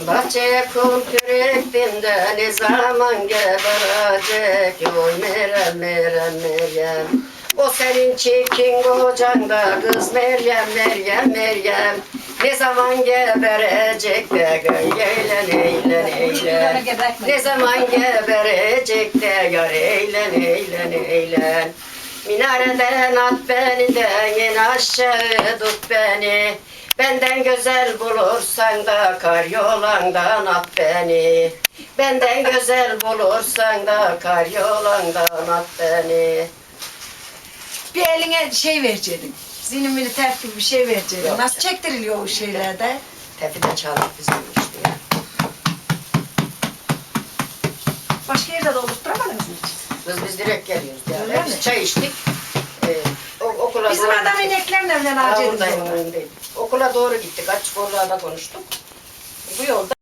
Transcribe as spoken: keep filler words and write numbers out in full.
Bahçeye kum kürektim de ne zaman geberecek? Oy Meryem, Meryem, Meryem. O senin çirkin kocan da kız Meryem, Meryem, Meryem. Ne zaman geberecek de gönül eğlen, eğlen, eğlen. Ne zaman geberecek de yar eğlen, eğlen, eğlen. Minareden at beni de in aşağı tut beni. Benden güzel bulursan da kar yolandan at beni. Benden güzel bulursan da kar yolandan at beni. Bir eline şey verecektin. Zinimli tef gibi bir şey verecektin. Yok Nasıl canım. çektiriliyor o şeylerde? Tefi de çalıp bizim işte ya. Başka yerde de oluşturamadınız mı hiç? Biz, biz direkt geliyoruz ya. Öyle Biz mi? çay içtik. Ee, o- okula Bizim doğru adam gittik. ineklerle evlen Ha, harcadık. buradayım, önündeyim. Okula doğru gittik. Açık oralarda konuştuk. Bu yolda